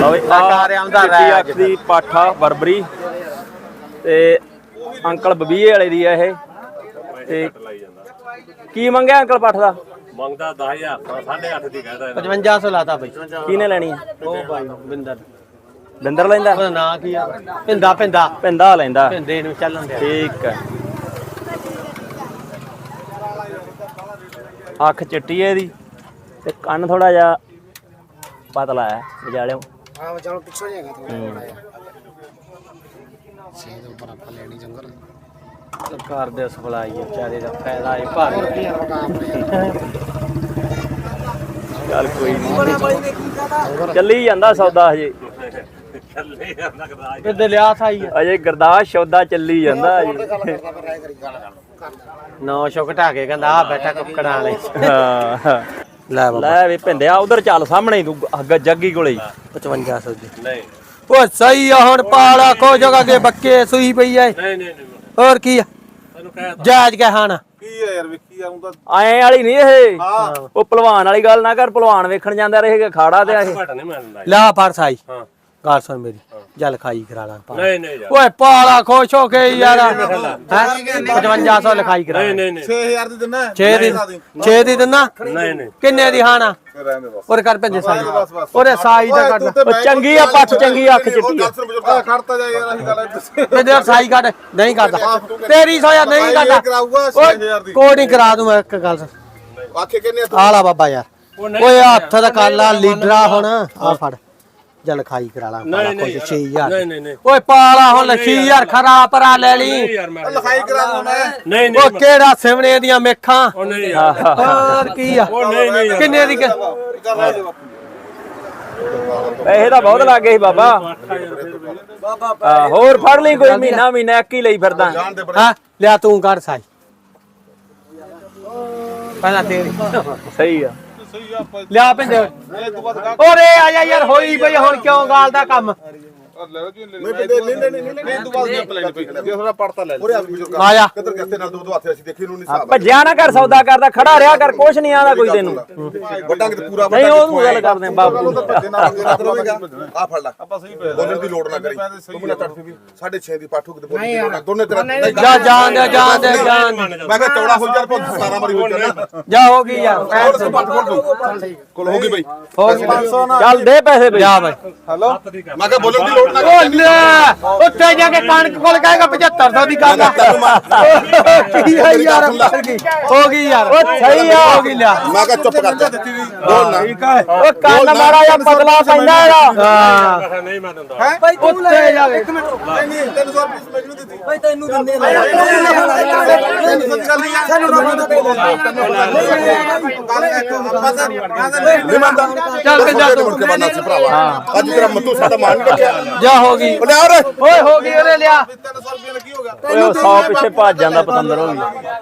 ਅੱਖ ਦੀ ਪਾਠਾ ਬਰਬਰੀ ਤੇ ਅੰਕਲ ਬਬੀਏ ਵਾਲੇ ਦੀ ਆ ਇਹ। ਤੇ ਕੀ ਮੰਗਿਆ ਅੰਕਲ ਪੱਠ ਦਾ? ਮੰਗਦਾ 10000 8.5 ਦੀ ਕਹਿੰਦਾ 5500 ਲਾਤਾ ਬਈ। ਕਿਹਨੇ ਲੈਣੀ ਆ? ਉਹ ਭਾਈ ਬਿੰਦਰ ਬਿੰਦਰ ਲੈਂਦਾ? ਉਹਦਾ ਨਾਂ ਕੀ ਆ? ਪਿੰਦਾ ਪਿੰਦਾ ਪਿੰਦਾ ਲੈਂਦਾ। ਪਿੰਦੇ ਨੂੰ ਚੱਲਣ ਦੇ। ਠੀਕ ਹੈ। ਅੱਖ ਚਿੱਟੀ ਹੈ ਇਹਦੀ ਤੇ ਕੰਨ ਥੋੜਾ ਜਿਹਾ ਪਤਲਾ ਹੈ ਵਿਚਾਲਿਓ। ਹਾਂ ਵਿਚਾਲੋਂ ਪਿੱਛੋਂ ਜਾਏਗਾ ਥੋੜਾ ਛੇ ਦੇ ਉੱਪਰ ਆਪਾਂ ਲੈਣੀ ਜੰਗਲ ਸਰਕਾਰ ਦੇ ਸਪਲਾਈ ਹੈ ਵਿਚਾਰੇ ਦਾ ਫਾਇਦਾ ਹੈ ਭਾਗ। ਚੱਲ ਕੋਈ ਨਹੀਂ ਚੱਲੀ ਜਾਂਦਾ ਸੌਦਾ ਹਜੇ। ਕਿੱਦੇ ਲਿਆ ਥਾਈ ਅਜੇ ਗਰਦਾਸ਼ ਸੌਦਾ ਚੱਲੀ ਜਾਂਦਾ ਹਜੇ। 900 ਘਟਾ ਕੇ ਕਹਿੰਦਾ ਆ ਬੈਠਾ ਕੁੱਕੜਾਂ ਵਾਲੇ। ਹਾਂ ਲੈ ਵੀ ਭਿੰਦਿਆ ਉਧਰ ਚੱਲ ਸਾਹਮਣੇ ਹੀ ਤੂੰ ਜੱਗੀ ਕੋਲੇ 5500 ਦੀ। ਨਹੀਂ ਓ ਸਹੀ ਆ ਹੁਣ ਪਾਲਾ ਖੋ ਜਗਾ ਕੇ ਬੱਕੇ ਸੂਈ ਪਈ ਐ। ਨਹੀਂ ਹੋਰ ਕੀ ਆ ਤੈਨੂੰ ਕਹਿ ਜਾਇਜ਼ ਕੇ ਖਾਣਾ ਕੀ ਆ ਯਾਰ ਵੇਖੀ ਆਉਂਦਾ ਐਂ ਵਾਲੀ ਨਹੀਂ ਇਹ। ਉਹ ਭਲਵਾਨ ਵਾਲੀ ਗੱਲ ਨਾ ਕਰ। ਭਲਵਾਨ ਵੇਖਣ ਜਾਂਦਾ ਰਹੇਗਾ ਖਾੜਾ ਤੇ ਇਹ। ਘਟ ਨਹੀਂ ਮੰਨਦਾ। ਲਾ ਫੜ ਸਾਈ ਹਾਂ ਗੱਲ ਸੁਣ ਮੇਰੀ ਜਲ ਖਾਈ ਕਰਾ ਲਾਂ। ਨਹੀਂ ਯਾਰ ਓਏ ਪਾਲਾ ਖੁਸ਼ ਹੋ ਕੇ ਯਾਰ ਹੈ 5500 ਲਿਖਾਈ ਕਰਾ। ਨਹੀਂ 6000 ਦੀ ਦਿੰਨਾ 6 ਦੀ ਦਿੰਨਾ। ਨਹੀਂ ਕਿੰਨੇ ਦੀ ਖਾਣਾ ਰਹਿੰਦੇ ਬਸ ਔਰ ਕਰ ਭੰਦੇ ਸਾਈ ਉਹਦੇ ਸਾਈ ਦਾ ਕੱਢ। ਉਹ ਚੰਗੀ ਆ ਪੱਠ ਚੰਗੀ ਅੱਖ ਚਿੱਟੀ ਆ। ਖੜਤਾ ਜਾ ਯਾਰ ਅਸੀਂ ਗੱਲ ਤੇ ਸਾਈ ਕੱਢ ਨਹੀਂ ਕਰਦਾ ਤੇਰੀ ਸੋਇਆ ਨਹੀਂ ਕਰਦਾ ਕਰਾਊਗਾ 6000 ਦੀ ਕੋਈ ਨਹੀਂ ਕਰਾ ਦੂੰ ਮੈਂ ਇੱਕ ਗੱਲ ਆਖੇ ਕਿੰਨੇ ਆਲਾ ਬਾਬਾ ਯਾਰ ਓਏ ਹੱਥ ਦਾ ਕਾਲਾ ਲੀਡਰਾ ਹੁਣ ਆ ਫੜ ਜਲ ਖਾਈ ਕਰਾ ਲਾ ਪਾਲਾ ਕੁਝ 6000 ਨਹੀਂ ਓਏ ਪਾਲਾ ਹੁਣ 6000 ਖਰਾ ਪਰਾ ਲੈ ਲਈ ਯਾਰ ਮੈਂ ਲਿਖਾਈ ਕਰਾ ਦੂੰ ਮੈਂ ਨਹੀਂ ਉਹ ਕਿਹੜਾ ਸਿਵਣੇ ਦੀਆਂ ਮੇਖਾਂ ਉਹ ਨਹੀਂ ਯਾਰ ਹੋਰ ਕੀ ਆ ਨਹੀਂ ਕਿੰਨੇ ਦੀ ਪੈਸੇ ਤਾਂ ਬਹੁਤ ਲੱਗ ਗਏ ਸੀ ਬਾਬਾ। ਹੋਰ ਫੜ ਲਈ ਕੋਈ ਮਹੀਨਾ ਇੱਕ ਹੀ ਲਈ ਫਿਰਦਾ। ਹਾਂ ਲਿਆ ਤੂੰ ਕਰ ਸਾਈ ਪਹਿਲਾਂ ਤੇਰੀ ਸਹੀ ਆ। ਲਿਆ ਪਿੰਦੇ ਓਰੇ ਆ ਜਾ ਯਾਰ ਹੋਈ ਬਈ ਹੁਣ ਕਿਉਂ ਗਾਲ ਦਾ ਕੰਮ ਨਹੀਂ ਤੂੰ ਬਾਅਦ ਵਿੱਚ ਪਲਾਨ ਪਈ ਜੇ ਥੋੜਾ ਪੜਤਾ ਲੈ ਲੈ ਆ ਜਾ ਕਿੱਧਰ ਕਿੱਥੇ ਨਾਲ ਦੋ ਹੱਥ ਅਸੀਂ ਦੇਖੀ ਨੂੰ ਨਹੀਂ ਹਿਸਾਬ ਭੱਜਿਆ ਨਾ ਕਰ ਸੌਦਾ ਕਰਦਾ ਖੜਾ ਰਿਹਾ ਕਰ ਕੁਛ ਨਹੀਂ ਆਂਦਾ ਕੋਈ ਤੈਨੂੰ। ਵੱਡਾ ਕਿਤੇ ਪੂਰਾ ਨਹੀਂ ਉਹਨੂੰ ਗੱਲ ਕਰਦੇ ਬਾਬੂ। ਆ ਫੜ ਲੈ ਆਪਾਂ ਸਹੀ ਬੋਲਣ ਦੀ ਲੋੜ ਨਾ ਕਰੀ ਤੂੰ ਮੈਨੂੰ ਤੜਫੀ ਵੀ 6.5 ਦੀ ਪਾਠੂ ਕਿਤੇ ਬੋਲਣ ਦੀ ਲੋੜ ਨਾ ਦੋਨੇ ਤੇਰਾ ਜਾ ਜਾਣ ਦੇ ਜਾਣ ਦੇ ਜਾਣ ਦੇ। ਮੈਂ ਕਿਹਾ ਚੌੜਾ ਹੋ ਜਾ 17 ਵਾਰੀ ਹੋ ਜਾਣਾ ਜਾ ਹੋ ਗਈ ਯਾਰ ਕੋਲ ਹੋ ਗਈ ਬਈ ਹੋ ਗਈ 500 ਨਾ ਚੱਲ ਦੇ ਪੈਸੇ ਬਈ। ਜਾ ਬਈ ਹੈਲੋ ਮੈਂ ਕਿਹਾ ਬੋਲਣ ਦੀ ਲੋੜ ਨਾ ਓ ਲੈ ਉੱਥੇ ਜਾ ਕੇ ਕਣਕ ਕੋਲ ਕਹੇਗਾ 7500 ਦੀ ਗੱਲ ਕੀ ਆ ਯਾਰ ਹੋ ਗਈ ਯਾਰ ਓ ਸਹੀ ਆ ਹੋ ਗਈ ਲਿਆ ਮੈਂ ਕਿਹਾ ਚੁੱਪ ਕਰ ਜਾ ਬੋਲ ਨਾ ਠੀਕ ਹੈ ਓ ਕੰਨ ਮਾੜਾ ਜਾਂ ਪਤਲਾ ਪੈਂਦਾ ਇਹਦਾ। ਹਾਂ ਨਹੀਂ ਮੈਂ ਦਿੰਦਾ ਭਾਈ ਤੂੰ ਉੱਥੇ ਜਾ ਕੇ ਨਹੀਂ 300 ਰੁਪਏ ਮੈਨੂੰ ਦਿੱਤੀ ਭਾਈ ਤੈਨੂੰ ਦਿੰਦੇ ਸਾਨੂੰ ਚੱਲ ਕੇ ਜਾ ਤੂੰ ਅੱਜ ਤੇਰਾ ਮੱਤੂ ਸਾਡਾ ਮਾਨ ਨਹੀਂ ਰੱਖਿਆ ਜਾ ਹੋ ਗਈ ਓਏ ਓਏ ਓਏ ਹੋ ਗਈ ਉਹਨੇ ਲਿਆ 300 ਰੁਪਏ ਲੱਗੀ ਹੋ ਗਿਆ ਓਏ 100 ਪਿੱਛੇ ਭੱਜ ਜਾਂਦਾ ਪਤੰਦਰ ਹੋ ਗਈ।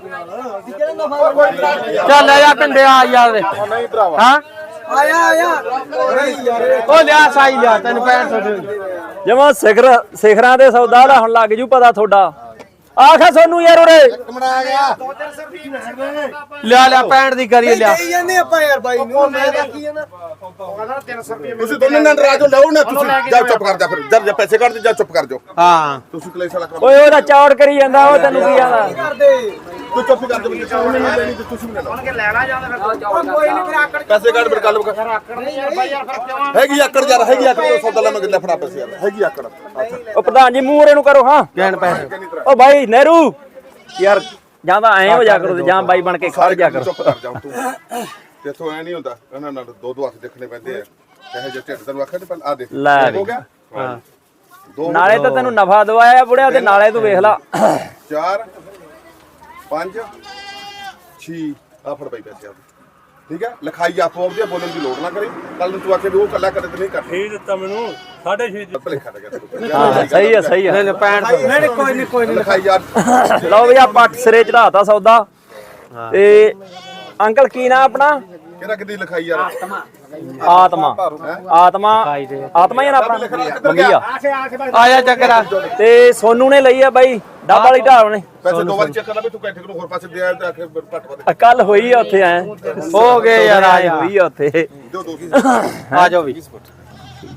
ਚੱਲ ਲੈ ਜਾ ਪਿੰਡੇ ਆ ਯਾਰ ਨਹੀਂ ਭਰਾਵਾ ਹਾਂ ਆਇਆ ਉਹ ਲਿਆ ਸਾਈ ਲਿਆ ਤੈਨੂੰ 6500 ਜਮਾ ਸਿਖਰਾਂ ਦੇ ਸੌਦਾ ਦਾ ਹੁਣ ਲੱਗ ਜੂ ਪਤਾ ਤੁਹਾਡਾ। ਆਖਾ ਸੋਨੂੰ ਯਾਰ ਉਰੇ ਕਮਰਾ ਆ ਗਿਆ ਲਿਆ 65 ਦੀ ਕਰੀ ਲਿਆ ਕਹੀ ਜਾਂਦੇ ਆਪਾਂ ਯਾਰ ਬਾਈ ਨੂੰ ਮੈਂ ਦੇਖੀ ਜਾਂਦਾ ਤੁਸੀਂ ਦੋਨੇ ਨਾਲ ਰਾਜੋ ਲਓ ਨਾ ਤੁਸੀਂ ਜਾ ਚੁੱਪ ਕਰ ਜਾ ਫਿਰ ਜਦ ਪੈਸੇ ਕੱਢ ਦੇ ਜਾ ਚੁੱਪ ਕਰ ਜਾਓ ਹਾਂ ਤੁਸੀਂ ਕਲੇਸ਼ ਵਾਲਾ ਕੰਮ ਓਏ ਉਹਦਾ ਚੌੜ ਕਰੀ ਜਾਂਦਾ ਉਹ ਤੈਨੂੰ ਕੀ ਆਂਦਾ। ਤੂੰ ਚੁੱਪ ਕਰ ਜਾ ਤੁਸੀਂ ਨਹੀਂ ਲੈਣੀ ਤੇ ਤੁਸੀਂ ਵੀ ਲੈ ਲਓ ਕੋਈ ਨਹੀਂ ਫਿਰ ਆਕੜ ਪੈਸੇ ਕੱਢ ਫਿਰ ਗੱਲ ਹੈਗੀ ਆਕੜ ਯਾਰ ਹੈਗੀ ਆਕੜ ਤੋਂ ਸੌਦਾ ਲੈ ਮੈਂ ਲੈ ਫੜਾ ਪੈਸੇ ਯਾਰ ਹੈਗੀ ਆਕੜ ਉਹ ਪ੍ਰਧਾਨ ਜੀ ਮੂੰਹ ਇਹਨੂੰ ਕਰੋ। ਹਾਂ ਗੈਣ ਪੈਸੇ ਓ ਬਾਈ ਨਹਿਰੂ ਯਾਰ ਜਾਂ ਤਾਂ ਐਂ ਹੋ ਜਾ ਕਰੋ ਤੇ ਜਾਂ ਬਾਈ ਬਣ ਕੇ ਖੜ ਜਾ ਕਰੋ। ਚੁੱਪ ਕਰ ਜਾ ਤੂੰ ਤੇਥੋਂ ਐ ਨਹੀਂ ਹੁੰਦਾ ਇਹਨਾਂ ਨਾਲ ਦੋ ਹੱਥ ਦੇਖਣੇ ਪੈਂਦੇ ਆ ਚਾਹੇ ਜੇ ਢਿੱਡ ਤੈਨੂੰ ਆਖਿਆ ਤੇ ਪਹਿਲਾਂ ਆ ਦੇਖ ਲੈ ਹੋ ਗਿਆ ਹਾਂ ਨਾਲੇ ਤਾਂ ਤੈਨੂੰ ਨਫਾ ਦਵਾਇਆ ਬੁੜਿਆ ਤੇ ਨਾਲੇ ਤੂੰ ਵੇਖ ਲਾ 4 5 6 ਆ ਫੜ ਪਈ ਪੈਸੇ ਆ ਠੀਕ ਹੈ ਲਿਖਾਈ ਆਪੋ ਆਪਦੀ ਬੋਲਣ ਦੀ ਲੋੜ ਨਾ ਕਰੀ ਕੱਲ ਨੂੰ ਤੂੰ ਆਖੇ ਵੀ ਉਹ ਕੱਲਾ ਕਦੇ ਤੇ ਨਹੀਂ ਕਰ ਠੀਕ ਦਿੱਤਾ ਮੈਨੂੰ 6.5 ਦੀ ਭਲੇਖਾ ਲੱਗਿਆ ਹਾਂ ਸਹੀ ਆ ਸਹੀ ਆ। ਨਹੀਂ 65 ਨਹੀਂ ਕੋਈ ਨਹੀਂ ਲਿਖਾਈ ਯਾਰ ਲਓ ਵੀ ਆ ਪੱਟ ਸਿਰੇ ਚੜਾਤਾ ਸੌਦਾ ਤੇ ਅੰਕਲ ਕੀ ਨਾਂ ਆਪਣਾ? ਕਿਹੜਾ ਕਿੱਦੀ ਲਿਖਾਈ ਯਾਰ ਆਤਮਾ ਆਤਮਾ ਆਤਮਾ ਹੀ ਆ ਨਾ ਆਪਣਾ ਮੰਗੀਆ ਆਇਆ ਚੱਕਰਾ ਤੇ ਸੋਨੂ ਨੇ ਲਈ ਆ ਬਾਈ ਡੱਬ ਵਾਲੀ ਢਾਲ ਨੇ। ਪੈਸੇ ਦੋ ਵਾਰੀ ਚੈੱਕ ਕਰ ਲੈ ਵੀ ਤੂੰ ਕੈਂਠੇ ਨੂੰ ਹੋਰ ਪਾਸੇ ਦੇ ਆਇਆ ਤੇ ਆਖੇ ਘੱਟ ਵਧ ਕੱਲ ਹੋਈ ਆ ਉੱਥੇ ਐ ਹੋ ਗਏ ਯਾਰ ਆ ਜਾ ਹੋਈ ਆ ਉੱਥੇ ਦਿਓ ਦੋ ਆ ਜਾਓ ਵੀ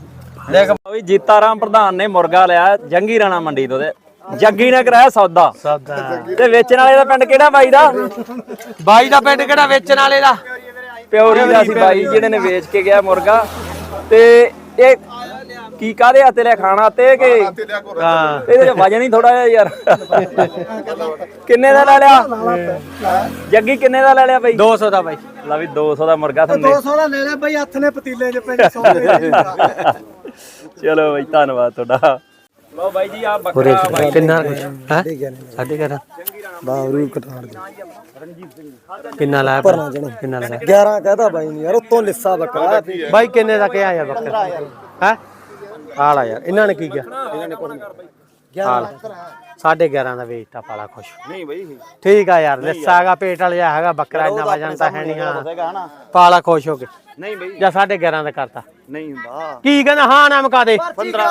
ਦੇਖ ਵੀ ਜੀਤਾ ਰਾਮ ਪ੍ਰਧਾਨ ਨੇ ਮੁਰਗਾ ਲਿਆ ਜੰਗੀ ਰਾਣਾ ਮੰਡੀ ਤੋਂ ਤੇ ਜੱਗੀ ਨੇ ਕਰਾਇਆ ਸੌਦਾ ਤੇ ਵੇਚਣ ਵਾਲੇ ਦਾ ਪਿੰਡ ਕਿਹੜਾ ਬਾਈ ਦਾ? ਬਾਈ ਦਾ ਪਿੰਡ ਕਿਹੜਾ ਵੇਚਣ ਵਾਲੇ ਦਾ? ਪਿਓਰੀ ਦਾ ਸੀ ਬਾਈ ਜਿਹੜੇ ਨੇ ਵੇਚ ਕੇ ਗਿਆ ਮੁਰਗਾ। ਤੇ ਇਹ ਕੀ ਕਾਦੇ ਹੱਥੇ ਲਿਆ ਖਾਣਾ ਤੇ ਕਿ ਹਾਂ ਇਹਦੇ ਚ ਵਜਨ ਹੀ ਥੋੜਾ ਜਿਹਾ ਯਾਰ। ਕਿੰਨੇ ਦਾ ਲੈ ਲਿਆ ਜੱਗੀ? ਕਿੰਨੇ ਦਾ ਲੈ ਲਿਆ ਬਾਈ? 200 ਦਾ ਬਾਈ। ਲਾ ਵੀ 200 ਦਾ ਮੁਰਗਾ ਥੰਦੇ। 200 ਦਾ ਲੈ ਲੈ ਬਾਈ, ਹੱਥ ਨੇ ਪਤੀਲੇ 'ਚ ਪੈਂਦੇ ਸੌਦੇ। ਚਲੋ ਬਾਈ ਧੰਨਵਾਦ ਤੁਹਾਡਾ। ਲਓ ਬਾਈ ਜੀ ਆ ਬੱਕਰਾ ਬਾਈ ਕਿੰਨਾ ਕੁਛ ਹੈ? 11.5 ਬਾਵਰੂ ਕਟਾੜ ਦੇ ਕਿੰਨਾ ਲਾਇਆ? ਕਿੰਨਾ ਲਾਇਆ? 11 ਕਹਦਾ ਬਾਈ ਨਹੀਂ ਯਾਰ, ਉਤੋਂ ਲਿੱਸਾ ਬੱਕਰਾ। ਬਾਈ ਕਿੰਨੇ ਦਾ ਕਿਹਾ ਯਾਰ ਬੱਕਰਾ ਹੈ? ਆਲਾ ਯਾਰ ਇਹਨਾਂ ਨੇ ਕੀ ਕਿਹਾ? ਇਹਨਾਂ ਨੇ 11.5 ਦਾ ਵੇਚਤਾ। ਪਾਲਾ ਖੁਸ਼ ਨਹੀਂ ਬਾਈ ਠੀਕ ਆ ਯਾਰ। ਲਿੱਸਾਗਾ ਪੇਟ ਵਾਲਾ ਜਿਹਾ ਹੈਗਾ ਬੱਕਰਾ, ਇੰਨਾ ਵਜਨ ਤਾਂ ਹੈ ਨਹੀਂ। ਹਾਂ ਪਾਲਾ ਖੁਸ਼ ਹੋ ਕੇ ਨਹੀਂ ਬਾਈ ਜਾਂ 11.5 ਦਾ ਕਰਤਾ। ਨਹੀਂ ਹੁੰਦਾ ਕੀ ਕਹਿੰਦਾ? ਹਾਂ ਨਾ ਮੁਕਾ ਦੇ।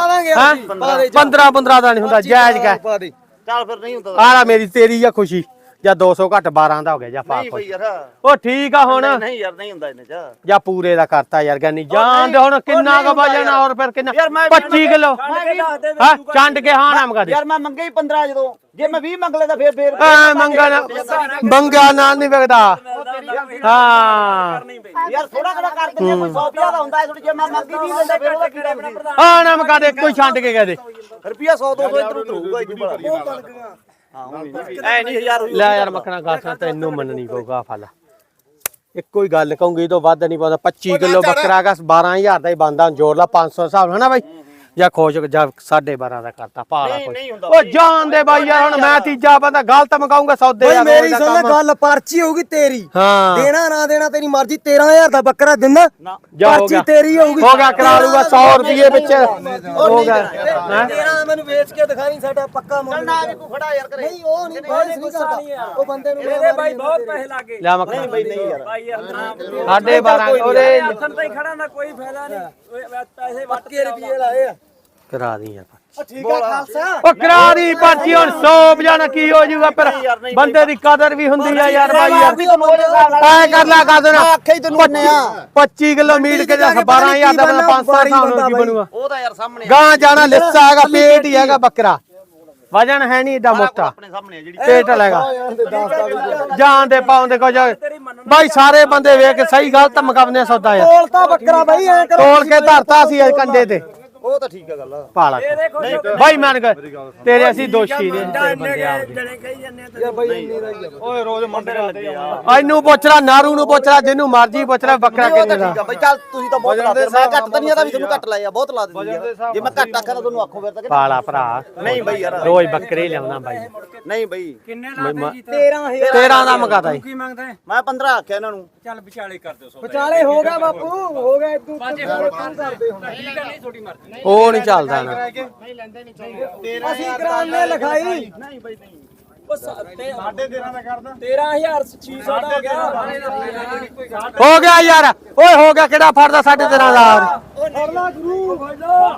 15 ਦਾ ਨਹੀਂ ਹੁੰਦਾ, ਜਾਇਜ਼ ਕਹਿ। ਚੱਲ ਫਿਰ ਨਹੀਂ ਹੁੰਦਾ ਆਲਾ ਮੇਰੀ ਤੇਰੀ ਆ ਖੁਸ਼ੀ। ਜਾਂ 200 ਘੱਟ 12 ਦਾ ਹੋ ਗਿਆ ਜਾਂ ਪਾ ਖੁਸ਼। ਉਹ ਠੀਕ ਆ ਹੁਣ। ਨਹੀਂ ਯਾਰ ਨਹੀਂ ਹੁੰਦਾ ਇਹਨੇ ਚ। ਜਾਂ ਪੂਰੇ ਦਾ ਕਰਤਾ ਯਾਰ ਗਾਨੀ ਜਾਨ ਦੇ। ਹੁਣ ਕਿੰਨਾ ਕ ਵਜਨ ਔਰ ਫਿਰ ਕਿੰਨਾ? 25 ਕਿਲੋ ਹਾਂ ਚੰਡ ਕੇ ਹਾਂ ਨਾ ਮੁਕਾ ਦੇ ਯਾਰ ਮੈਂ ਮੰਗੇ ਹੀ 15 ਜਦੋਂ, ਜੇ ਮੈਂ 20 ਮੰਗ ਲੈਦਾ ਫੇਰ ਮੰਗਾ ਨਾਲ ਨਹੀਂ ਵਿਕਦਾ। ਹਾਂ ਯਾਰ ਥੋੜਾ ਘੜਾ ਕਰ ਦਿੰਦੇ, ਕੋਈ 100 ਦਾ ਹੁੰਦਾ ਥੋੜੀ। ਜੇ ਮੈਂ ਮੰਗੀ 20 ਲੈਂਦਾ ਫੇਰ ਉਹਦਾ ਕੀੜਾ ਬਣਾ। ਹਾਂ ਨਾ ਮੁਕਾ ਦੇ, ਕੋਈ ਛੱਡ ਕੇ ਕਹਦੇ ਰੁਪਿਆ 100 200 ਇਧਰ ਉਧਰ ਹੋਊਗਾ ਇਦੋਂ ਬਾਅਦ। ਐ ਨਹੀਂ 1000 ਲੈ ਯਾਰ ਮੱਖਣਾ ਗਾਸਾਂ ਤੈਨੂੰ ਮੰਨਣੀ ਪਊਗਾ। ਫਲ ਇੱਕੋ ਹੀ ਗੱਲ ਕਹੂੰਗੀ, ਇਹ ਤੋਂ ਵੱਧ ਨਹੀਂ ਪਾਉਂਦਾ। 25 ਕਿਲੋ ਬੱਕਰਾ ਗਾ 12000 ਦਾ ਹੀ ਬੰਦਾ ਜੋੜ ਲਾ 500 ਹਿਸਾਬ ਹਨਾ ਬਾਈ। ਜਾਂ ਖੋਜ ਜਾਂ 12.5 ਦਾ ਕਰਤਾ ਪਾਲਾ ਕੋਈ। ਉਹ ਜਾਣ ਦੇ ਬਾਈ ਯਾਰ, ਹੁਣ ਮੈਂ ਤੀਜਾ ਬੰਦਾ ਗਲਤ ਮਕਾਉਂਗਾ ਸੌਦੇ ਬਾਈ ਯਾਰ। ਮੇਰੀ ਸੁਣ ਗੱਲ, ਪਰਚੀ ਹੋਊਗੀ ਤੇਰੀ। ਹਾਂ ਦੇਣਾ ਨਾ ਦੇਣਾ ਤੇਰੀ ਮਰਜ਼ੀ। 13000 ਦਾ ਬੱਕਰਾ ਦਿੰਦਾ, ਜਾ ਹੋ ਪਰਚੀ ਗਿਆ। ਤੇਰੀ ਹੋਊਗੀ। ਹੋ ਗਿਆ ਕਰਾ ਲੂਗਾ 100 ਰੁਪਏ ਵਿੱਚ ਹੋ ਗਿਆ। ਹੈਂ? 13 ਮੈਨੂੰ ਵੇਚ ਕੇ ਦਿਖਾਈ, ਸਾਡਾ ਪੱਕਾ ਮੁੱਲ। ਨਾ ਵੀ ਕੋਈ ਖੜਾ ਯਾਰ ਕਰੇ। ਨਹੀਂ ਉਹ ਨਹੀਂ ਬਾਈ ਨਹੀਂ ਕਰਦਾ ਉਹ ਬੰਦੇ ਨੂੰ। ਇਹਦੇ ਬਾਈ ਬਹੁਤ ਪੈਸੇ ਲੱਗੇ ਲਿਆ ਮੱਖਣਾ ਬਈ ਨਹੀਂ ਯਾਰ ਬਾਈ ਯਾਰ ਨਾ 12.5 ਉਹਦੇ ਹੱਥਨ ਤਾਂ ਹੀ ਖੜਾ ਨਾ ਕੋਈ ਫਾਇਦਾ ਨਹੀਂ। ਪੈਸੇ ਵੱਟ ਪੱਕੇ ਰੁਪਏ ਲਾਏ ਆ। ਕਰਾ ਦੀ ਯਾਰ। ਠੀਕ ਆ ਖਾਲਸਾ। ਉਹ ਕਰਾ ਦੀ ਪਰਚੀ। ਹੁਣ 100 ਵਜਾਣਾ ਕੀ ਹੋ ਜਾਊਗਾ? ਪਰ ਬੰਦੇ ਦੀ ਕਦਰ ਵੀ ਹੁੰਦੀ ਆ ਯਾਰ ਬਾਈ ਯਾਰ। ਐ ਕਰ ਲੈ ਕਰ ਦੇਣਾ। ਆਖੇ ਹੀ ਤੈਨੂੰ ਮੰਨੇ ਆ। 25 ਕਿਲੋ ਮੀਟ ਕੇ 12000 ਦਾ 500 ਸਾਲ ਕੀ ਬਣੂਗਾ? ਉਹ ਤਾਂ ਯਾਰ ਸਾਹਮਣੇ ਗਾਂ ਜਾਣਾ ਲਿੱਸਾ ਹੈਗਾ, ਪੇਟ ਹੀ ਹੈਗਾ ਬੱਕਰਾ। ਵਜਨ ਹੈ ਨਹੀਂ ਏਡਾ ਮੋਟਾ, ਆਪਣੇ ਸਾਹਮਣੇ ਜਿਹੜੀ ਪੇਟ ਲਏਗਾ ਜਾਨ ਦੇ ਪਾਉਂਦੇ ਕੁਝ ਬਾਈ। ਸਾਰੇ ਬੰਦੇ ਵੇਖ ਕੇ ਸਹੀ ਗਲਤ ਮਕਾਵਨੇ ਸੌਦਾ ਯਾਰ। ਤੋਲਤਾ ਬੱਕਰਾ ਬਾਈ ਐ ਕਰੋ। ਤੋਲ ਕੇ ਧਰਤਾ ਸੀ ਕੰਡੇ ਤੇ ਉਹ ਤਾਂ ਠੀਕ ਆ ਗੱਲ। ਪਾਲਾ ਬਾਈ ਮੰਨ ਗਏ ਤੇਰੇ। ਅਸੀਂ ਦੋਸ਼ੀ ਨੇ ਬੰਦੇ ਆ ਓਏ ਰੋਜ਼ ਮੰਡੇ ਲੱਗੇ ਆ। ਇਹਨੂੰ ਪੁੱਛ ਲੈ, ਨਾਰੂ ਨੂੰ ਪੁੱਛ ਲੈ, ਜਿਹਨੂੰ ਮਰਜੀ ਪੁੱਛ ਲੈ ਬੱਕਰਾ ਕਿੰਨੇ ਦਾ। ਠੀਕ ਆ ਬਈ ਚੱਲ ਤੁਸੀਂ ਤਾਂ ਬਹੁਤ ਲਾ ਦੇ। ਮੈਂ ਘੱਟ ਤਾਂ ਨਹੀਂ ਆਦਾ ਵੀ ਤੁਹਾਨੂੰ ਘੱਟ ਲਾਇਆ, ਬਹੁਤ ਲਾ ਦਿੰਦੀ ਆ। ਜੇ ਮੈਂ ਘੱਟ ਆਖਾਂ ਤਾਂ ਤੁਹਾਨੂੰ ਆਖੋ ਫਿਰ ਤਾਂ। ਪਾਲਾ ਭਰਾ ਨਹੀਂ ਬਈ ਯਾਰ ਰੋਜ਼ ਬੱਕਰੇ ਲਿਆਉਣਾ ਬਾਈ। ਨਹੀਂ ਬਈ 13 ਦਾ ਮਕਾਦਾ ਕੀ ਮੰਗਦਾ ਹੈ? ਮੈਂ 15 ਆਖਿਆ ਇਹਨਾਂ ਨੂੰ। ਚੱਲ ਵਿਚਾਲੇ ਕਰ ਦਿਓ ਵਿਚਾਲੇ ਹੋ ਗਿਆ ਬਾਪੂ, ਹੋ ਗਿਆ ਇਦੋਂ ਕਰਦੇ ਹੁਣ। ਉਹ ਨਹੀਂ ਚੱਲਦਾ ਨਾ। ਅਸੀਂ ਕਰਾਉਂਦੇ ਲਿਖਾਈ। ਨਹੀਂ ਬਈ ਨਹੀਂ। 13,600 ਦਾ ਹੋ ਗਿਆ। ਹੋ ਗਿਆ ਯਾਰ। ਓਏ ਹੋ ਗਿਆ, ਕਿਹੜਾ ਫੜਦਾ 13.5 ਦਾ? ਫੜਲਾ ਗੁਰੂ ਫੜਲਾ।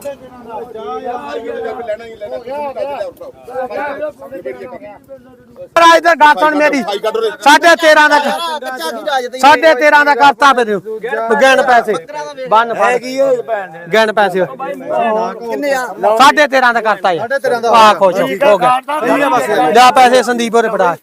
ਇਧਰ ਗੱਲ ਸੁਣ ਮੇਰੀ। 13.5 ਦਾ ਕੱਚਾ ਕੀ ਰਾਜ ਤੇ 13.5 ਦਾ ਕਰਤਾ ਫਿਰ। ਗਿਣ ਪੈਸੇ ਬੰਨ ਫੜ ਗਿਣ ਪੈਸੇ। ਕਿੰਨੇ ਆ? 13.5 ਦਾ ਕਰਤਾ ਯਾਰ। ਆ ਖੁਸ਼ ਹੋ ਗਿਆ। ਜਾ ਪੈਸੇ ਸੰਦੀਪ ਹੋਰੇ ਫੜਾ।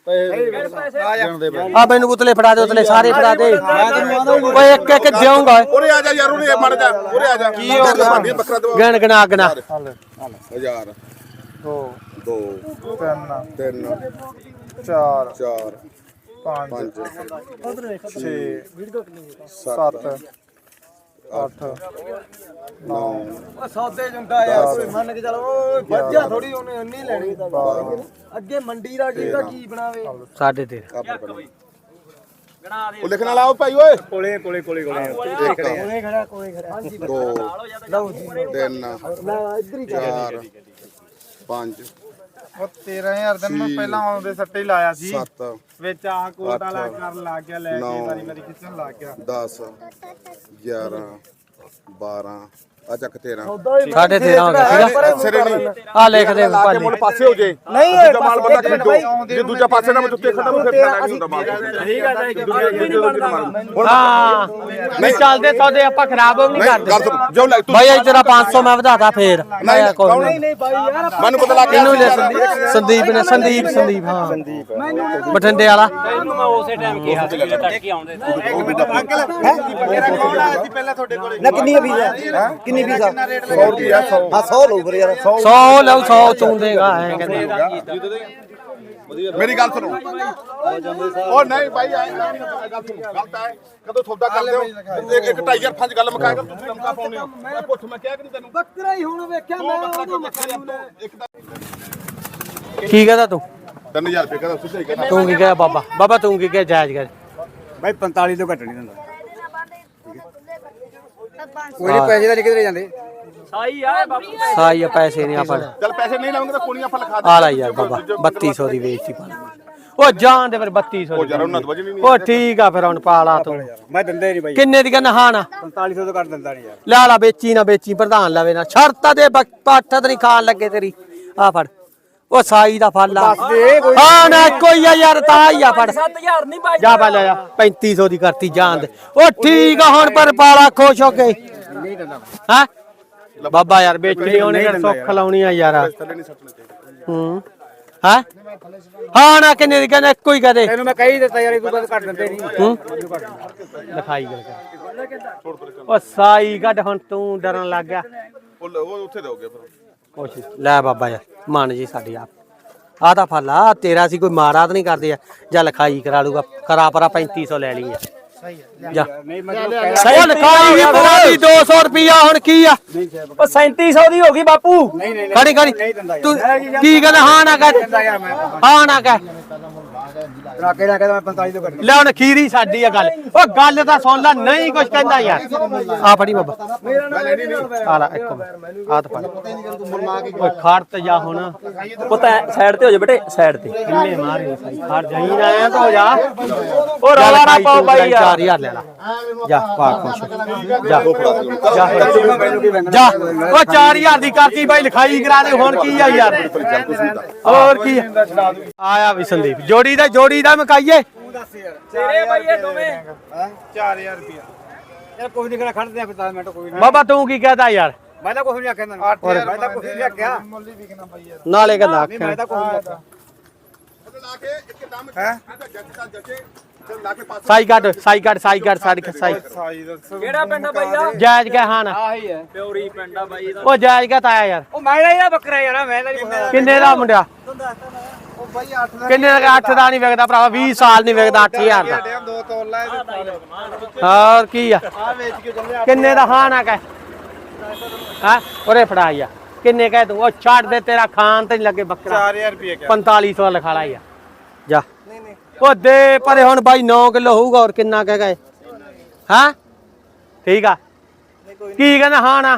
ਆ ਮੈਨੂੰ ਉਤਲੇ ਫੜਾ ਦੇ, ਉਤਲੇ ਸਾਰੇ ਫੜਾ ਦੇ। ਓਏ ਇੱਕ ਇੱਕ ਦੇਊਂਗਾ। ਉਰੇ ਆ ਜਾ ਯਾਰ, ਉਰੇ ਮੜ ਜਾ, ਉਰੇ ਆ ਜਾ। ਕੀ ਹੋ ਗਿਆ? ਬੱਕਰਾ ਦਵਾ। ਗਿਣ ਗਿਣਾ ਗਿਣਾ। 1000 2 3 4 5 6 7 8 9 ਸੌਦੇ ਜੁੰਦਾ ਯਾਰ, ਕੋਈ ਮੰਨ ਕੇ ਚੱਲ। ਓਏ ਵੱਜਿਆ ਥੋੜੀ ਉਹਨੇ ਇੰਨੀ ਲੈਣੀ। ਅੱਗੇ ਮੰਡੀ ਦਾ ਕੀ ਬਣਾਵੇ। 13.5 ਉਹ ਲਿਖਣ ਵਾਲਾ ਉਹ ਭਾਈ ਓਏ। ਕੋਲੇ ਖੜਾ ਕੋਲੇ ਖੜਾ। 2 ਲਓ ਜੀ 3 ਲੈ ਇੱਧਰ ਹੀ 4 5 ਉਹ 13,000 ਦਿਨ ਮੈਂ ਪਹਿਲਾਂ ਆਉਂਦੇ ਸੱਟੇ ਹੀ ਲਾਇਆ ਸੀ 7 ਵਿੱਚ ਆਹ ਕੋਟ ਵਾਲਾ ਕਰਨ ਲੱਗ ਗਿਆ, ਲੈ ਕੇ ਵਾਰੀ ਖਿੱਚਣ ਲੱਗ ਗਿਆ। 10 11 12 ਆ ਚੱਕ 13 13.5 ਹੋ ਗਿਆ ਠੀਕ ਆ ਸਿਰੇ ਨਹੀਂ ਆ ਲਿਖ ਦੇ ਲਾ ਕੇ ਮੁੱਲ ਪਾਸੇ ਹੋ ਜੇ ਨਹੀਂ ਦੂਜਾ ਮਾਲ ਬੰਦਾ ਖਰੀਦੋ ਜੇ ਦੂਜਾ ਪਾਸੇ ਨਾ ਮੈਂ ਉੱਤੇ ਖੜਾ ਮੈਂ ਫਿਰ ਲੈਣਾ ਨਹੀਂ ਹੁੰਦਾ ਮਾਲ ਹਾਂ ਨਹੀਂ ਚੱਲਦੇ ਸੌਦੇ ਆਪਾਂ ਖਰਾਬ ਵੀ ਨਹੀਂ ਕਰਦੇ ਗੱਲ ਸੁਣ ਜੋ ਲੈ ਤੂੰ ਭਾਈ ਇਹ ਤੇਰਾ 500 ਮੈਂ ਵਧਾਤਾ ਫੇਰ ਨਹੀਂ ਕੋਈ ਕੌਣ ਨਹੀਂ ਬਾਈ ਯਾਰ ਮੈਨੂੰ ਪਤਾ ਲੱਗ ਇਹਨੂੰ ਲੈ ਗਿਆ ਸੰਦੀਪ ਨੇ ਸੰਦੀਪ ਹਾਂ ਬਠਿੰਡੇ ਵਾਲਾ ਇਹਨੂੰ ਮੈਂ ਉਸੇ ਟਾਈਮ ਕਿਹਾ ਸੀ ਤੜਕੇ ਆਉਂਦੇ ਨਾ ਕਿੰਨੀ ਫੀਸ ਹੈ ਕਿੰਨੀ ਫੀਸ ਆ 100 ਰੁਪਿਆ 100 ਹਾਂ 100 ਲਓ ਫਿਰ ਯਾਰ 100 ਲਓ 100 ਚੂੰ ਦੇਗਾ ਐ ਕਹਿੰਦੇ ਮੇਰੀ ਗੱਲ ਸੁਣੋ ਉਹ ਨਹੀਂ ਭਾਈ ਐ ਗੱਲ ਸੁਣੋ ਗਲਤ ਹੈ ਕਦੋਂ ਸੌਦਾ ਕਰਦੇ ਹੋ ਇੱਕ ਟਾਈਗਰ ਫੰਜ ਗੱਲ ਮੁਕਾਏਗਾ ਤੁਸੀਂ ਲਮਕਾ ਪਾਉਣੇ ਹੋ ਮੈਂ ਪੁੱਛ ਮੈਂ ਕਿਹਾ ਕਿ ਨਹੀਂ ਤੈਨੂੰ ਬੱਕਰਾ ਹੀ ਹੁਣ ਵੇਖਿਆ ਮੈਂ ਉਹਨੂੰ ਮੱਖਣੀ ਨੂੰ ਇੱਕ ਤਾਂ ਕੀ ਕਹਦਾ ਤੂੰ 3000 ਰੁਪਏ ਕਹਿੰਦਾ ਸਿੱਧਾ ਹੀ ਕਹਿੰਦਾ ਤੂੰ ਕੀ ਕਹਿਆ ਬਾਬਾ ਤੂੰ ਕੀ ਕਹਿ ਜਾਇਜ਼ ਕਰ ਬਾਈ 45 ਤੋਂ ਘੱਟ ਨਹੀਂ ਦਿੰਦਾ ਕੋਈ ਨਹੀਂ ਪੈਸੇ ਤਾਂ ਕਿਧਰੇ ਜਾਂਦੇ ਸਾਈ ਆ ਬਾਪੂ ਸਾਈ ਪੈਸੇ ਨਹੀਂ ਆਪਾਂ ਚੱਲ ਪੈਸੇ ਨਹੀਂ ਲਾਉਂਗੇ ਤਾਂ ਕੋਣੀਆਂ ਫਲ ਖਾ ਆ ਲੈ ਯਾਰ ਬਾਬਾ 3200 ਦੀ ਵੇਚੀ ਪਾ ਉਹ ਜਾਣ ਦੇ ਫਿਰ 3200 ਉਹ ਯਾਰ ਉਹਨਾਂ ਤੋਂ ਵਜਣੀ ਨਹੀਂ ਉਹ ਠੀਕ ਆ ਫਿਰ ਹੁਣ ਪਾਲਾ ਤੂੰ ਮੈਂ ਦਿੰਦਾ ਨਹੀਂ ਬਾਈ ਕਿੰਨੇ ਦੀ ਕਹਿੰਦਾ ਹਾਂ ਨਾ 4500 ਤੋਂ ਘੱਟ ਦਿੰਦਾ ਨਹੀਂ ਯਾਰ ਲੈ ਲਾ ਵੇਚੀ ਨਾ ਵੇਚੀ ਪ੍ਰਧਾਨ ਲਵੇ ਨਾ ਸ਼ਰਤਾਂ ਦੇ ਪੱਠ ਤੇ ਨਹੀਂ ਖਾਣ ਲੱਗੇ ਤੇਰੀ ਆ ਫੜ ਉਹ ਸਾਈ ਦਾ ਫਲ ਆ ਹਾਂ ਨਾ ਕੋਈ ਆ ਯਾਰ ਤਾਂ ਹੀ ਆ ਫੜ 7000 ਨਹੀਂ ਬਾਈ ਜਾ ਪਾ ਲੈ ਜਾ 3500 ਦੀ ਕਰਤੀ ਜਾਣ ਦੇ ਉਹ ਠੀਕ ਆ ਹੁਣ ਪਰ ਪਾਲਾ ਖੁਸ਼ ਹੋ ਕੇ ਹਾਂ ਬਾਬਾ ਯਾਰ ਵੇਚਣੀ ਉਹਨੇ ਕਿਹੜਾ ਸੁੱਖ ਲਾਉਣੀ ਆ ਯਾਰ ਹੂੰ ਹਾਂ ਹਾਂ ਨਾ ਕਿੰਨੇ ਦੀ ਕਹਿੰਦਾ ਇੱਕੋ ਹੀ ਕਹਦੇ ਤੈਨੂੰ ਮੈਂ ਕਹੀ ਦਿੱਤਾ ਯਾਰ ਇਹ ਤੋਂ ਬਾਅਦ ਘੱਟ ਦਿੰਦੇ ਨਹੀਂ ਹੂੰ ਲਿਖਾਈ ਗੱਲ ਕਰ ਉਹ ਸਾਈ ਕੱਢ ਹੁਣ ਤੂੰ ਡਰਨ ਲੱਗ ਗਿਆ ਉਹ ਉੱਥੇ ਦੋਗੇ ਫਿਰ ਕੁਛ ਲੈ ਬਾਬਾ ਯਾਰ ਮੰਨ ਜੀ ਸਾਡੀ ਆਪ ਆ ਤਾਂ ਫਲ ਆ ਤੇਰਾ ਸੀ ਕੋਈ ਮਾਰਾ ਤਾਂ ਨਹੀਂ ਕਰਦੇ ਆ ਜਾਂ ਲਿਖਾਈ ਕਰਾ ਲੂਗਾ ਕਰਾ ਪਰਾ 3500 ਲੈ ਲਈ ਆ ਜਾ ਸਹੀ ਲਿਖਾਈ ਵੀ ਪਵਾਦੀ 200 ਰੁਪਿਆ ਹੁਣ ਕੀ ਆ ਉਹ 3700 ਦੀ ਹੋ ਗਈ ਬਾਪੂ ਖੜੀ ਤੂੰ ਕੀ ਕਹਿੰਦਾ ਹਾਂ ਨਾ ਕਹਿ ਹਾਂ ਨਾ ਕਹਿ ਰਾਕੇ ਨਾ ਕਹਿੰਦਾ ਮੈਂ 45 ਤੋਂ ਘੱਟ ਲੈ ਹੁਣ ਖੀਰੀ ਸਾਡੀ ਆ ਗੱਲ ਉਹ ਗੱਲ ਤਾਂ ਸੁਣ ਲੈ ਨਹੀਂ ਕੁਛ ਕਹਿੰਦਾ ਯਾਰ ਆ ਫੜੀ ਬਾਬਾ ਆ ਲੈ ਇੱਕ ਮਿੰਟ ਆ ਤਾਂ ਫੜ ਓਏ ਖੜ ਤੇ ਜਾ ਹੁਣ ਪੁੱਤ ਸਾਈਡ ਤੇ ਹੋ ਜਾ ਬੇਟੇ ਸਾਈਡ ਤੇ ਕਿੰਨੇ ਮਾਰੇ ਸਾਈ ਖੜ ਜਾਈ ਨਾ ਆਇਆ ਤਾਂ ਹੋ ਜਾ ਉਹ ਰੌਲਾ ਨਾ ਪਾਓ ਬਾਈ ਯਾਰ 4000 ਲੈ ਲਾ ਜਾ ਪਾ ਖੁਸ਼ ਜਾ ਜਾ ਉਹ 4000 ਦੀ ਕਰਤੀ ਬਾਈ ਲਿਖਾਈ ਕਰਾ ਦੇ ਹੁਣ ਕੀ ਆ ਯਾਰ ਹੋਰ ਕੀ ਆਇਆ ਵੀ ਸੰਦੀਪ ਜੋੜੀ ਦਾ ਮਕਾਈਏ ਤੇਰੇ ਬਾਈ ਇਹ ਦੋਵੇਂ 4000 ਰੁਪਿਆ ਯਾਰ ਕੋਈ ਨਹੀਂ ਖੜਾ ਖੜਦੇ ਆ 10 ਮਿੰਟ ਕੋਈ ਨਹੀਂ ਬਾਬਾ ਤੂੰ ਕੀ ਕਹਦਾ ਯਾਰ ਮੈਂ ਤਾਂ ਕੁਝ ਨਹੀਂ ਆਖਿਆ ਤੈਨੂੰ 8000 ਮੈਂ ਤਾਂ ਕੁਝ ਨਹੀਂ ਆਖਿਆ ਨਾਲੇ ਕਹਿੰਦਾ ਆਖਿਆ ਮੈਂ ਤਾਂ ਕੁਝ ਨਹੀਂ ਆਖਿਆ ਲਾ ਕੇ ਇੱਕ ਦਮ ਹੈ ਜੱਜੇ ਲਾ ਕੇ ਪਾਸ ਸਾਈ ਕੱਢ ਸਾਈ ਸਾਈ ਦੱਸੋ ਕਿਹੜਾ ਪਿੰਡ ਆ ਬਾਈ ਆ ਜਾਇਜ਼ ਕਹਿ ਹਾਂ ਨਾ ਆਹੀ ਹੈ ਪਿਉਰੀ ਪਿੰਡ ਆ ਬਾਈ ਉਹ ਜਾਇਜ਼ ਕਹਿ ਤਾਇਆ ਯਾਰ ਉਹ ਮੈਂ ਇਹਦਾ ਬੱਕਰਾ ਯਾਰ ਮੈਂ ਤਾਂ ਨਹੀਂ ਕਿੰਨੇ ਦਾ ਮੁੰਡਿਆ ਉਹ ਬਾਈ 8 ਦਾ ਕਿੰਨੇ ਦਾ 8 ਦਾ ਨਹੀਂ ਵਿਕਦਾ ਭਰਾਵਾ 20 ਸਾਲ ਨਹੀਂ ਵਿਕਦਾ 8000 ਦਾ ਦੋ ਤੋਲਾ ਹੋਰ ਕੀ ਆ ਵੇਚ ਕੇ ਚੱਲਿਆ ਕਿੰਨੇ ਦਾ ਹਾਂ ਨਾ ਕਹਿ ਹਾਂ ਉਰੇ ਫੜਾਈ ਆ ਕਿੰਨੇ ਕਹਿ ਤੂੰ ਉਹ ਛੱਡ ਦੇ ਤੇਰਾ ਖਾਨ ਤੇ ਨਹੀਂ ਲੱਗੇ ਬੱਕਰਾ 4000 ਰੁਪਏ 4500 ਲਿਖਾ ਲਾ ਯਾਰ ਜਾ ਉਹ ਦੇ ਪਰੇ ਹੁਣ ਬਾਈ 9 ਕਿਲੋ ਹੋਊਗਾ ਹੋਰ ਕਿੰਨਾ ਕਹਿ ਗਏ ਹਾਂ ਠੀਕ ਆ ਕੀ ਕਹਿੰਦਾ ਹਾਂ ਨਾ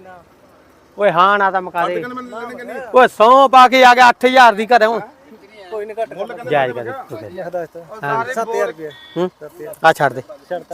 ਓਏ ਹਾਂ ਨਾ ਤਾਂ ਮੁਕਾ ਦੇ ਓਏ 100 ਪਾ ਕੇ ਆ ਗਿਆ 8000 ਦੀ ਘਰੇ ਹੁਣ ਕੋਈ ਨਹੀਂ ਘੱਟ ਜਾਇਜ਼ ਕਰ ਤੂੰ 7000 ਰੁਪਏ ਹੂੰ ਆ ਛੱਡ ਦੇ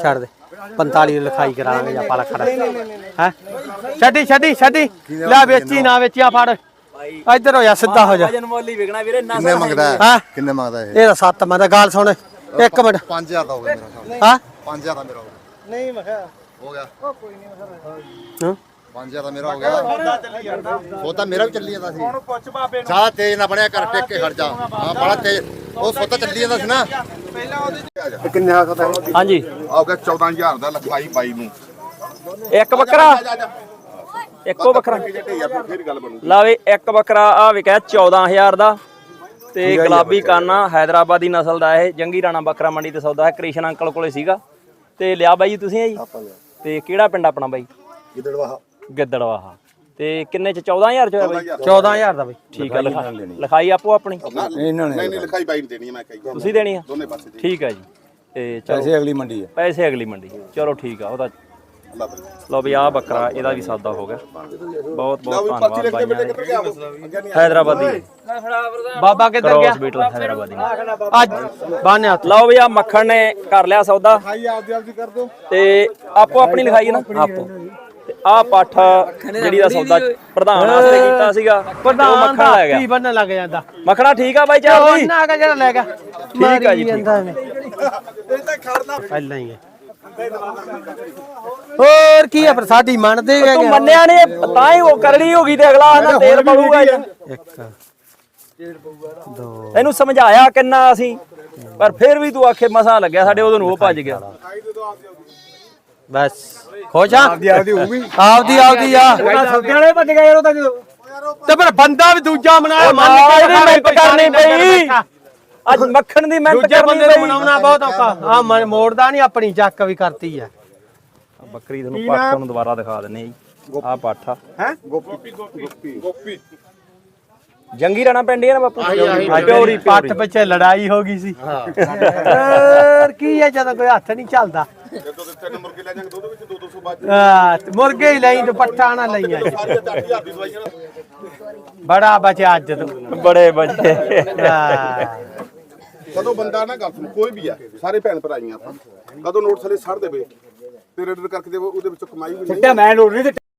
45 ਲਿਖਾਈ ਕਰਾਂਗੇ ਜਾਂ ਪਾਲਾ ਖੜਾ ਹੈ ਛੱਡੀ ਲੈ ਵੇਚੀ ਨਾ ਵੇਚਿਆ ਫੜ ਇੱਧਰ ਹੋ ਜਾ ਸਿੱਧਾ ਹੋ ਜਾ ਵਜਨ ਮੁੱਲ ਹੀ ਵਿਕਣਾ ਵੀਰੇ ਨਾ ਕਿੰਨੇ ਮੰਗਦਾ ਹਾਂ ਕਿੰਨੇ ਮੰਗਦਾ ਇਹ ਇਹਦਾ 7 ਮੈਂ ਤਾਂ ਗੱਲ ਸੁਣ ਇੱਕ ਮਿੰਟ 5000 ਦਾ ਹੋ ਗਿਆ ਮੇਰਾ ਹਾਂ 5000 ਦਾ ਮੇਰਾ ਹੋ ਗਿਆ ਨਹੀਂ ਮੈਂ ਕਿਹਾ ਹੋ ਗਿਆ ਉਹ ਕੋਈ ਨਹੀਂ ਮੈਂ ਕਿਹਾ ਹਾਂ 5000 ਦਾ ਮੇਰਾ ਹੋ ਗਿਆ ਉਹ ਤਾਂ ਮੇਰਾ ਵੀ ਚੱਲੀ ਜਾਂਦਾ ਸੀ ਪੁੱਛ ਬਾਬੇ ਜ਼ਿਆਦਾ ਤੇਜ਼ ਨਾ ਬਣਿਆ ਕਰ ਟਿਕ ਕੇ ਖੜ ਜਾ ਹਾਂ ਬੜਾ ਤੇਜ਼ ਉਹ ਸੋਤਾ ਚੱਲੀ ਜਾਂਦਾ ਸੀ ਨਾ ਪਹਿਲਾਂ ਉਹਦੇ ਕਿੰਨੇ ਆ ਸਕਦਾ ਹਾਂਜੀ ਆ ਗਿਆ 14000 ਦਾ ਲਿਖਾਈ ਬਾਈ ਨੂੰ ਇੱਕ ਬੱਕਰਾ ਇੱਕੋ ਬੱਕਰਾ ਫਿਰ ਗੱਲ ਬਣੂ ਲਾਵੇ ਇੱਕ ਬੱਕਰਾ ਆ ਵਿਕਿਆ 14000 ਦਾ ਤੇ ਗੁਲਾਬੀ ਕਾਨਾ ਹੈਦਰਾਬਾਦੀ ਨਸਲ ਦਾ ਇਹ ਜੰਗੀ ਰਾਣਾ ਬੱਕਰਾ ਮੰਡੀ ਤੇ ਸੌਦਾ ਹੈ ਕ੍ਰਿਸ਼ਨ ਅੰਕਲ ਕੋਲੇ ਸੀਗਾ ਤੇ ਲਿਆ ਬਾਈ ਜੀ ਤੁਸੀਂ ਆ ਜੀ ਤੇ ਕਿਹੜਾ ਪਿੰਡ ਆਪਣਾ ਬਾਈ ਗਿੱਦੜਵਾਹਾ ਤੇ ਕਿੰਨੇ ਚ 14000 ਚ ਹੋਇਆ ਬਾਈ 14000 ਦਾ ਬਈ ਠੀਕ ਆ ਲਿਖਾਈ ਆਪੋ ਆਪਣੀ ਨਹੀਂ ਲਿਖਾਈ ਬਾਈ ਨੂੰ ਦੇਣੀ ਹੈ ਮੈਂ ਕਹੀ ਤੁਸੀਂ ਦੇਣੀ ਆ ਦੋਨੇ ਪਾਸੇ ਦੇ ਠੀਕ ਆ ਜੀ ਤੇ ਚਲੋ ਪੈਸੇ ਅਗਲੀ ਮੰਡੀ ਹੈ ਪੈਸੇ ਅਗਲੀ ਮੰਡੀ ਚਲੋ ਠੀਕ ਆ ਉਹਦਾ ਅੱਲਾ ਬਈ ਲਓ ਵੀ ਆਹ ਬੱਕਰਾ ਇਹਦਾ ਵੀ ਸੌਦਾ ਹੋ ਗਿਆ ਬਹੁਤ ਬਹੁਤ ਪਰਚੀ ਧੰਨਵਾਦ ਲਿਖ ਕੇ ਬਾਈਆਂ ਬੇਟੇ ਕਿੱਧਰ ਗਿਆ ਹੈਦਰਾਬਾਦੀ ਬਾਬਾ ਕਿੱਧਰ ਗਿਆ ਕ੍ਰੋਸ ਬੀਟਲ ਹੈਦਰਾਬਾਦੀ ਅੱਜ ਬਾਨਿਆ ਲਓ ਵੀ ਆ ਮੱਖਣ ਨੇ ਕਰ ਲਿਆ ਸੌਦਾ ਭਾਈ ਆਪਦੀ ਕਰ ਦੋ ਤੇ ਆਪੋ ਆਪਣੀ ਲਿਖਾਈ ਹੈ ਨਾ ਆਪੋ ਤੇ ਆਹ ਪੱਠ ਜਿਹੜੀ ਦਾ ਸੌਦਾ ਪ੍ਰਧਾਨ ਵਾਸਤੇ ਕੀਤਾ ਸੀਗਾ ਉਹ ਪ੍ਰਧਾਨ ਮੱਖਣ ਦਾ ਲੈ ਗਿਆ ਕੀ ਬੰਨਣ ਲੱਗ ਜਾਂਦਾ ਮੱਖਣਾ ਠੀਕ ਆ ਬਾਈ ਚੱਲਦੀ ਉਹਨਾਂ ਕਾ ਜਿਹੜਾ ਲੈ ਗਿਆ ਠੀਕ ਆ ਜੀ, ਠੀਕ। ਪਹਿਲਾਂ ਹੀ ਹੈ ਹੋਰ ਕੀ ਹੈ ਪਰ ਸਾਡੀ ਮੰਨਦੇ ਤੂੰ ਹੈਗੇ ਮੰਨਿਆ ਨਹੀਂ ਤਾਂ ਹੀ ਉਹ ਕਰੜੀ ਹੋ ਗਈ ਤੇ ਅਗਲਾ ਆਂਦਾ ਤੇਲ ਪਊਗਾ ਜੀ। ਇੱਕ ਦੋ ਇਹਨੂੰ ਸਮਝਾਇਆ ਕਿੰਨਾ ਅਸੀਂ ਪਰ ਫਿਰ ਵੀ ਤੂੰ ਆਖੇ ਮਸਾ ਲੱਗਿਆ ਸਾਡੇ ਉਦੋਂ ਨੂੰ ਉਹ ਭੱਜ ਗਿਆ ਬਸ ਖੁਸ਼ ਆ ਆਪਦੀ ਹੋਊਗੀ ਆਪਦੀ ਆ ਸੌਦੇ ਵਾਲੇ ਭੱਜ ਗਏ ਯਾਰ ਉਹ ਤਾਂ ਜਦੋਂ ਤੇ ਫਿਰ ਬੰਦਾ ਵੀ ਦੂਜਾ ਬਣਾਇਆ ਮੰਨ ਆਹ ਕੇ ਇਹਦੀ ਮਿਹਨਤ ਕਰਨੀ ਪਈ ਅੱਜ ਮੱਖਣ ਦੀ ਮਿਹਨਤ ਦੂਜੇ ਕਰਨੀ ਬੰਦੇ ਨੂੰ ਪਈ ਬਣਾਉਣਾ ਬਹੁਤ ਔਖਾ ਆ ਮੋੜਦਾ ਨਹੀਂ ਆਪਣੀ ਚੱਕ ਵੀ ਕਰਤੀ ਆ ਬੱਕਰੀ ਤੁਹਾਨੂੰ ਪੱਠ ਨੂੰ ਦੁਬਾਰਾ ਦਿਖਾ ਦਿੰਨੇ ਆ ਜੀ ਆਹ ਪੱਠ ਆ ਗੋਪੀ ਜੰਗੀ ਰਾਣਾ ਪਿੰਡ ਹੀ ਆ ਨਾ ਬਾਪੂ ਪਿਓਰੀ ਪੱਟ ਪਿੱਛੇ ਲੜਾਈ ਹੋ ਗਈ ਸੀ ਹੋਰ ਕੀ ਹੈ ਜਦੋਂ ਕੋਈ ਹੱਥ ਨਹੀਂ ਚੱਲਦਾ ਜਦੋਂ ਤੇ 3 ਮੁਰਗੇ ਲੈ ਜਾਣਗੇ ਦੁੱਧ ਵਿੱਚ 200 ਬਾਅਦ ਆ ਤੇ ਮੁਰਗੇ ਹੀ ਲਈ ਤੇ ਪੱਠਾ ਨਾ ਲਈਆਂ ਜੀ। ਸਾਰੀਆਂ 8000 ਦੀ ਦਵਾਈਆਂ ਨਾ ਬੜਾ ਬਚਿਆ ਅੱਜ ਤੋਂ ਬੜੇ ਬੱਚੇ ਕਦੋਂ ਬੰਦਾ ਨਾ ਗੱਲ ਸੁਣ ਕੋਈ ਵੀ ਆ ਸਾਰੇ ਭੈਣ ਭਰਾਈਆਂ ਆਪਾਂ ਕਦੋਂ ਨੋਟ ਥਲੇ ਛੱਡ ਦੇਵੇ ਤੇ ਰੈਡਰ ਕਰਕੇ ਦੇ ਉਹਦੇ ਵਿੱਚੋਂ ਕਮਾਈ ਵੀ ਨਹੀਂ ਮੈਂ ਲੋੜ ਨਹੀਂ